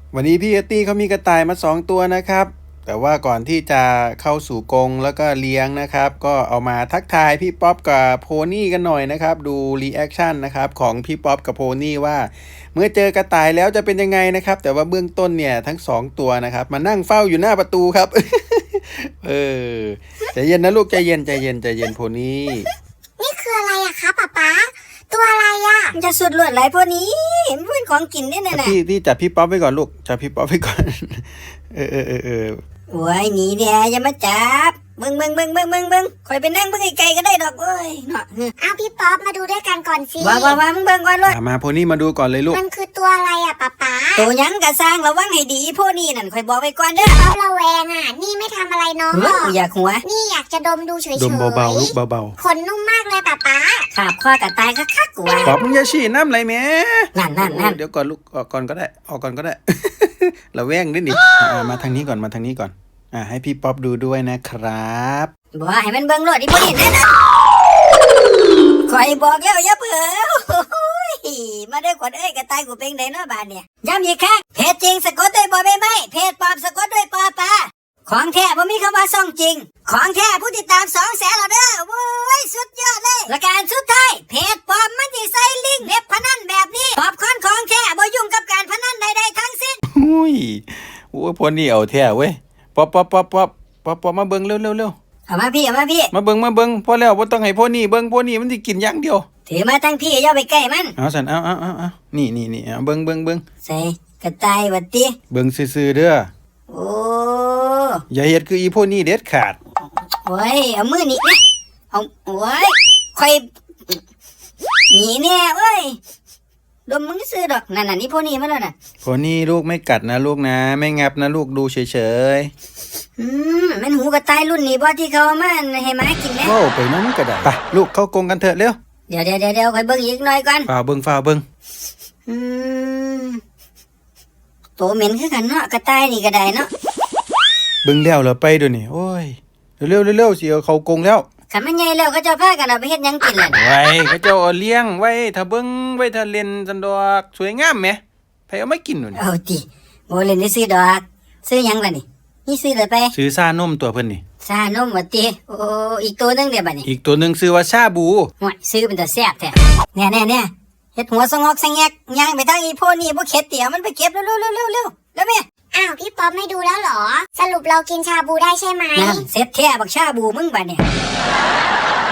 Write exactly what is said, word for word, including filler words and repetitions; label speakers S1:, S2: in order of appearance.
S1: วันนี้พี่เอตตี้เขามีกระต่ายมาสองตัวนะครับแต่ว่าก่อนที่จะเข้าสู่กรงแล้วก็เลี้ยงนะครับก็เอามาทักทายพี่ป๊อปกับโพนี่กันหน่อยนะครับดูรีแอคชั่นนะครับของพี่ป๊อปกับโพนี่ว่าเมื่อเจอกระต่ายแล้วจะเป็นยังไงนะครับแต่ว่าเบื้องต้นเนี่ยทั้งสองตัวนะครับมานั่งเฝ้าอยู่หน้าประตูครับ เออใจเย็นนะลูกใจเย็นใจเย็นใจเย็นโพนี่
S2: นี่คืออะไรอะคะป๊าป๊าตัวอะไรอะ
S3: มันจะสุดลวดไหลพวกนี้มันเป็นของกินได้แน่ๆ
S1: พี่พี่จับพี่ป๊อปไว้ก่อนลูกจับพี่ป๊อปไว้ก่อน เออเออเออเออ
S3: โอ้ยหนีเดียอย่ามาจับเบิ่งเบิ่งเบิ่งเบิ่งเบิ่งเบิ่งคอยไปนั่งเบิ่งไกลๆก็ได้ดอกเอ้ยเนาะ
S2: เอาพี่ป๊อปมาดูด้วยกันก่อนสิ
S3: ว่าว่าว่ามึงเบิ่งก่อนเลย
S1: มาโพนี่มาดูก่อนเลยลูก
S2: มันคือตัวอะไรอะป๊าป๊า
S3: ตัวยังกะสร้างระวังให้ดีพวกนี้นั่นคอยบอกไว้ก่อนเด้อ
S2: ป๊อประแวงอะนี่ไม่ทำอะไรน้องหรอก
S3: อยากหัว
S2: นี่อยากจะดมดูเฉยๆ
S1: ดมเบาๆลูกเบา
S2: ๆขนนุ่มมากเลยป๊าป๊า
S3: ขาบข้อกระตายคักๆกูว่า
S1: ป๊อปมึงอย่าฉี่น้ำไหลแม่
S3: นั่นนั่นนั่น
S1: เดี๋ยวก่อนลูกออกก่อนก็ได้ออกก่อนก็ได้ เราแว่งนิดนิดมาทางนี้ก่อนมาทางนี้ก่อนอ่าให้พี่ป๊อปดูด้วยนะครับ
S3: บอกให้มันเบิ่งรถอีพวกนี้แน่นะคอยบอกแล้วอย่าเผลอมาได้ขวัญเอ้ยกระต่ายกูเป็นไดเนาะบาดเนี่ยย้ำอีกครั้งเพจจริงสะกดด้วยบอใบไม้เพจปลอมสะกดด้วยปอปลาของแท้บ่มีคำว่าซ่องจริงของแท้ผู้ติดตามสองแสนแล้วเด้อโว้ยสุดยอดเลยและการสุดท้ายเพจปลอมมันสิใส่ลิงก์เว็บพนันแบบนี้ปอบคอนของแท้บ่ยุ่งกับการพนันใดๆทั้งสิ้น
S1: อุ้ยโอ้ยพวกนี้เอาแท้เว้ยป๊อปป๊อปป๊อปป๊อปป๊อปป๊อปมาเบิ่งเร็วเร็วเร็ว
S3: เอามาพี่เอามาพี่
S1: มาเบิ่งมาเบิ่งพอแล้วบ่ต้องให้พวกนี้เบิ่งพวกนี้มันสิกินอย่างเดียว
S3: ถือมาทั้งพี่อย่าไปใกล้มัน
S1: เอาสันเอาเอาเอาเอานี่นี่นี่เอาเบิ่งเบิ่งเบิ่ง
S3: ใส่กระต่ายวัดติ
S1: เบิ่งซื่อๆเด้อ
S3: โอ้
S1: อย่าเฮ็ดคืออีพวกนี้เด็ดขาด
S3: โอ้ยเอามือนี่นะเอาโอ้ยค่อยหนีแน่เว้ยดมมึงซื้อดอกนั่นน่ะนี่พวกนี้มาแล้วน่ะ
S1: พวกนี้ลูกไม่กัดนะลูกนะไม่งับนะลูกดูเฉย
S3: ๆอืมมันหูกระต่ายรุ่นนี้บ่ที่เขามาให้หมากินแน่
S1: โอ้ไปนั้นก็ได้ไปลูกเข้ากรงกันเถอะเร็ว
S3: เดี๋ยวเดี๋ยวเดี๋ยวค่อยเบิ่งอีกหน่อยก่อน
S1: ฝ่าเบิ่งฝ่าเบิ่ง
S3: อืมโตเหม็นคือกันเนาะกระต่ายนี่ก็ได้เนาะ
S1: เบิ่งแล้วเหรอไปเดี๋ยวนี้โอ้ยเร็วๆเร็วๆสิเอาเข้ากรงแล้ว
S3: คันมันใหญ่แล้วก็จะพากันเอาไปเฮ็ดหยังกินล่ะ
S1: ไว้เขาเจ้าเอาเลี้ยงไว้ถ้าเบิ่งไว้ถ้าเล่นซันดอกสวยงามแหมไผเอามากินนู่น
S3: เอาติบ่เล่นได้ซื้อดอกซื้อหยังล่ะนี่นี่ซื้อเลยไป
S1: ซื้อซ่านมตัวเพิ่นนี่
S3: ซ่านมว่าติโอ้อีกตัวนึงเด้บัดนี้
S1: อีกตัวนึงชื่อว่าชาบู
S3: โอ้ยซื้อเป็นตาแซ่บแท้แน่ๆๆเฮ็ดหัวสงอกสงแงกย่างไปทางอีโพนี่บ่เข็ดเตี๋ยมันไปเก็บเร็วๆๆๆๆแล้วแม่
S2: อ้าวพี่ป๊อปไม่ดูแล้วเหรอสรุปเรากินชาบูได้ใช่ไหม
S3: นั่นเสร็จแท้บักชาบูมึงบัดเนี่ย